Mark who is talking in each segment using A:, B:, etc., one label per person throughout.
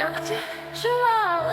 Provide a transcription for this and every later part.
A: як ти жила,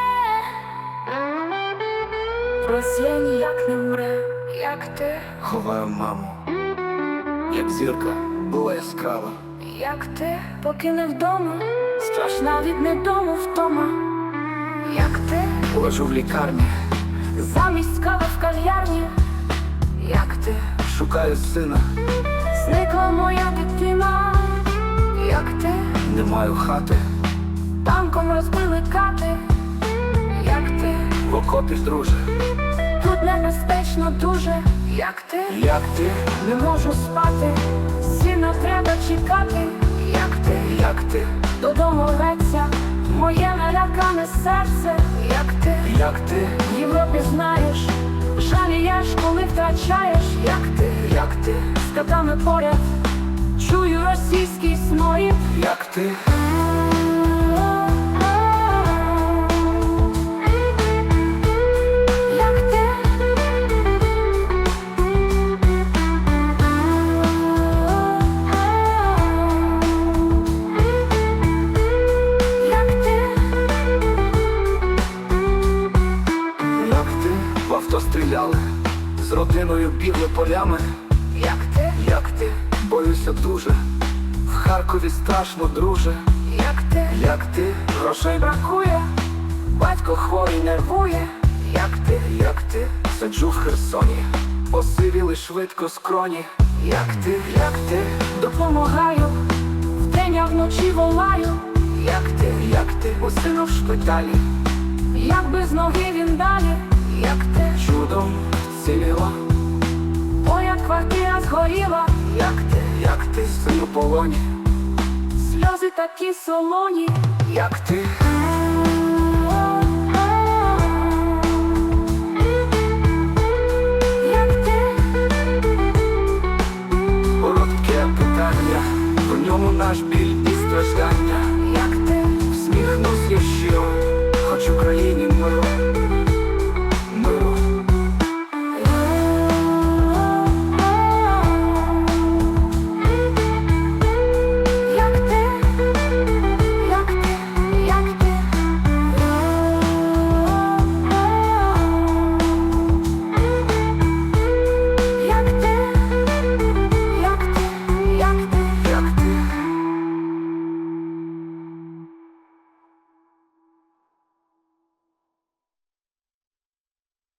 A: Росія ніяк не мре, як ти
B: Ховаю маму, як зірка була яскрава,
A: як ти покинув вдома, страшна від недому втома, як ти
B: лежу в лікарні,
A: замість кави в кав'ярні, як ти
B: шукаю сина,
A: зникла моя дитина, як ти
B: не маю хати,
A: танком розбили кати, як ти
B: в окопі друже,
A: тут небезпечно дуже, як ти
B: не
A: не можу спати, сина треба чекати, як ти додому рветься моє налякане серце, як ти в Європі знаєш, жалієш, коли втрачаєш, як ти з котами поряд чую російський сморід,
B: як ти
A: як ти
B: в авто стріляли, з родиною бігли полями, як ти боюся дуже, в Харкові страшно, друже, як ти
A: грошей бракує, батько хворий нервує,
B: як ти сиджу в Херсоні, посивіли швидко скроні, як ти
A: допомагаю, вдень а вночі волаю,
B: як ти
A: у сину в шпиталі, як без ноги він далі, як ти
B: чудом вціліла,
A: моя квартира згоріла,
B: як ти син у полоні,
A: сльози такі солоні,
B: як ти
A: як ти
B: коротке питання, в ньому наш біль і страждання.